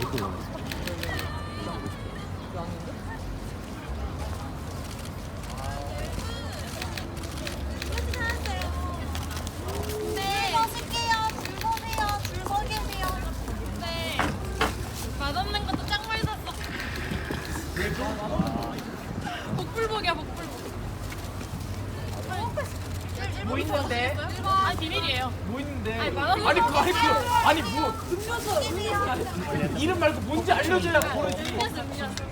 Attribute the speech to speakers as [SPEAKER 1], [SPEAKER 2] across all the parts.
[SPEAKER 1] 또
[SPEAKER 2] 네. 마실게요. 줄 서세요. 줄 서 계세요. 네. 맛없는 것도 짱 맛있었어. 복불복이야, 복불복.
[SPEAKER 3] 뭐 있는데?
[SPEAKER 2] 아니, 비밀이에요.
[SPEAKER 3] 뭐 있는데?
[SPEAKER 2] 아니, 맛없는
[SPEAKER 3] 아니
[SPEAKER 2] 거
[SPEAKER 3] 그거 아니 뭐 이름 말고 뭔지 알려주려고 그러지.
[SPEAKER 2] 음료수.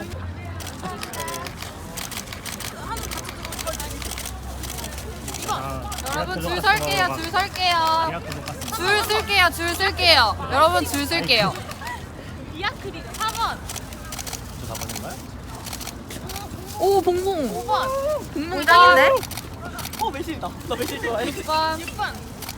[SPEAKER 4] 여러분 줄 설게요. 줄 설게요. 줄 쓸게요. 줄 쓸게요. 여러분 줄 쓸게요.
[SPEAKER 2] 미야크리죠. 4번.
[SPEAKER 1] 저 4번인가요?
[SPEAKER 4] 오 봉봉.
[SPEAKER 2] 5번.
[SPEAKER 4] 봉봉 짱인데?
[SPEAKER 3] 어 매실이다. 나 매실 좋아해.
[SPEAKER 4] 6번.
[SPEAKER 2] 6번.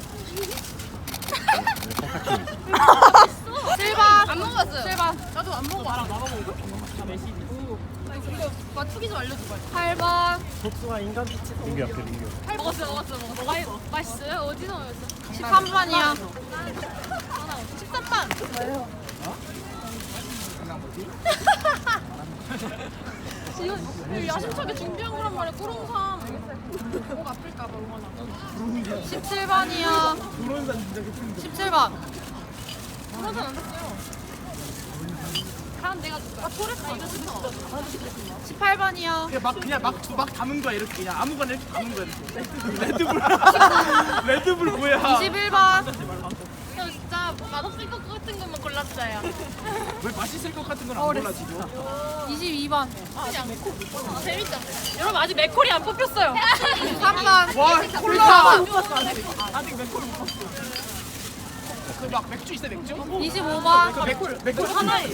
[SPEAKER 4] 7번.
[SPEAKER 2] 안 먹었어요.
[SPEAKER 4] 7번.
[SPEAKER 3] 나도 안 먹어. 나만 먹은 거. 다 매실이.
[SPEAKER 2] 이거 맞추기 좀 알려줘봐요.
[SPEAKER 4] 8번.
[SPEAKER 1] 복숭아 인간 링규 옆에 링규
[SPEAKER 2] 먹었어. 맛있어요? 어디서 먹었어?
[SPEAKER 4] 13번이요.
[SPEAKER 2] 13번. 이거 야심차게 준비한 거란 말이야. 꾸롱삼. 목 아플까봐 응원하고.
[SPEAKER 4] 17번이요.
[SPEAKER 3] 불온산 진짜 개쁜데.
[SPEAKER 4] 17번.
[SPEAKER 2] 꾸롱삼 안 샀어요. 다음 내가 줄까? 토레스 이거 진짜
[SPEAKER 4] 18번이요.
[SPEAKER 3] 그냥 막 담은 거야 이렇게 그냥 아무거나 이렇게 담은 거야 이렇게. 레드불. 레드불 뭐야?
[SPEAKER 4] 21번.
[SPEAKER 2] 저 진짜 맛없을 것 같은 것만 골랐어요.
[SPEAKER 3] 왜 맛있을 것 같은 건 안 골라 지금?
[SPEAKER 4] 22번.
[SPEAKER 2] 그냥 재밌죠? 여러분 아직 맥콜이 안 뽑혔어요.
[SPEAKER 4] 3번.
[SPEAKER 3] 와 콜라. 못 봤어 아직 맥콜 못 봤어. 그 막 맥주 있어 맥주?
[SPEAKER 4] 25번.
[SPEAKER 3] 그 맥콜 하나예요?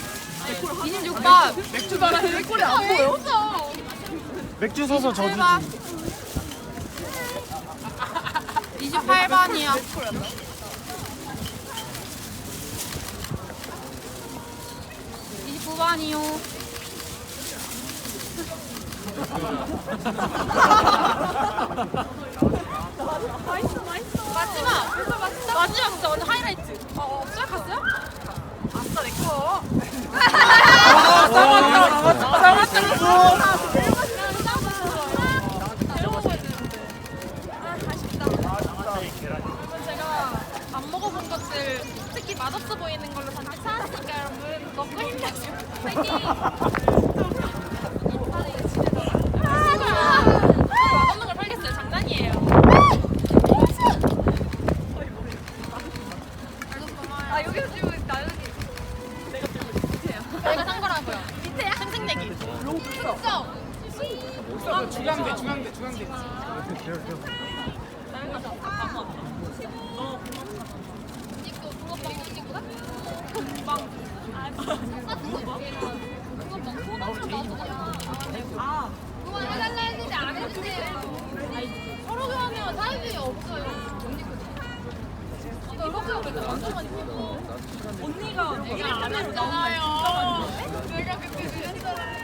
[SPEAKER 4] 26번.
[SPEAKER 3] 맥주 말하는 맥콜이 안 보여?
[SPEAKER 1] 맥주 서서 저주지
[SPEAKER 4] 28번이요. 29번이요.
[SPEAKER 2] 마지막 진짜 완전 하이라이트. 없어요? 갔어요? 아싸 내 거. 제가 안 먹어본 것들 특히 맛없어 보이는 걸로 다 찾았으니까 여러분 먹고 힘내세요. 파이팅! 맛없는 걸 팔겠어요. 장난이에요. 아 여기서 지금 나연이 내가 산 거라고요. 밑에야? 생생내기. 진짜.
[SPEAKER 3] 중앙대.
[SPEAKER 2] 이거 붕어빵 친구다? 붕어빵. 붕어빵 소나무 아. 그거 해달라 했는데 안 해주세요. 서로 교환해요. 타이밍이 없어요. 이거 그냥 완전 많이 보고. 언니가 얘기를 안 했잖아요. 내가 그렇게 그랬잖아요.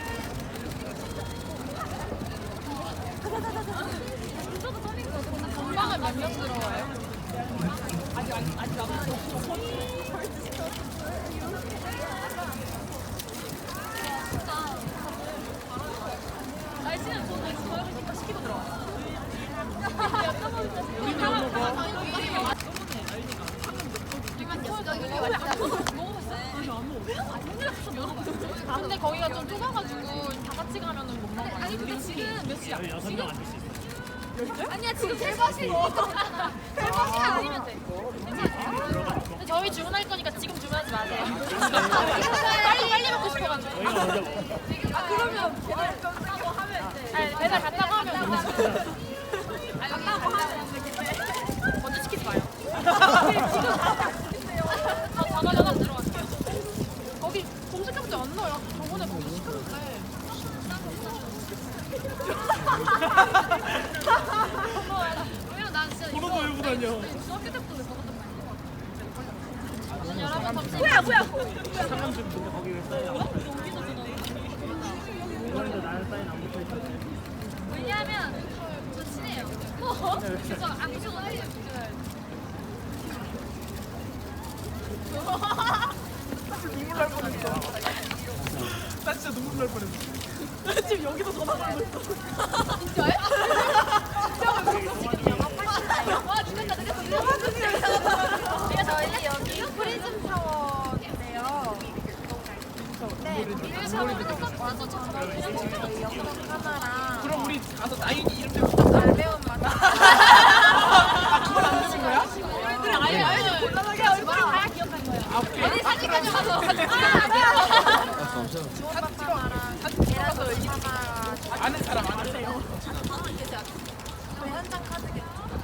[SPEAKER 2] 건방을 몇 명 들어와요? 아직 안 날씨는 저는 저녁이니까 시키고 들어왔어. 근데 거기가 좀 좁아가지고 다 같이 가면은 못 먹어요. 아니 근데 지금 몇 시야?
[SPEAKER 1] 6명 앉을 수 있어요
[SPEAKER 2] 아니야 지금 대박이고 대박이 아니면 돼. 근데 저희 주문할 거니까 지금 주문하지 마세요. 빨리 먹고 싶어가지고.
[SPEAKER 1] 저희가 먼저 먹어요
[SPEAKER 2] 아 그러면 배달 갔다고 하면 돼. 아니 배달 갔다고 하면 갔다고 하면 먼저 시키지 마요. 지금 전화 들어갈게요. 거기 검색해보자 안 나와요. 저번에 거기 시켰는데. 왜냐면 난 진짜 이거
[SPEAKER 3] 열고 다녀.
[SPEAKER 2] 중학교 때부터 먹었단 말이야. 여러분 잠시 뭐야
[SPEAKER 1] 상암집 근데 거기 왜 사인 안 붙어있어? 이번에도 나는 사인 안 붙어있어
[SPEAKER 2] 왜냐하면 저 친해요. 그래서 안 주고 해요.
[SPEAKER 3] 날 뻔했어. 나 진짜 눈물 날 뻔했어. 나 지금 여기서 전화 걸고 있어.
[SPEAKER 2] 진짜요? 지금 영화 파시나요? 와 죽겠다 제가 저희 여기 프리즘 타워인데요. 네, 비밀 샤워를 와서 저희 영상 카메라
[SPEAKER 3] 그럼 우리 가서 나윤이 이름 대고
[SPEAKER 2] 잘 배운 맛.
[SPEAKER 3] 아 그걸 안 드신 거야?
[SPEAKER 2] 얼굴을 알려줘. 곤란하게 얼굴을 다 기억한 거예요.
[SPEAKER 3] 아 오케이.
[SPEAKER 2] 어디 사진까지 가서 사진
[SPEAKER 3] 사진 찍어서 얘기 아는 사람 아세요?
[SPEAKER 2] 저희 현장 카드겠죠.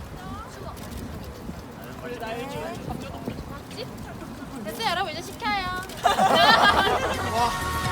[SPEAKER 3] 우리 나윤이
[SPEAKER 2] 됐어요 여러분 이제 시켜요.
[SPEAKER 3] 와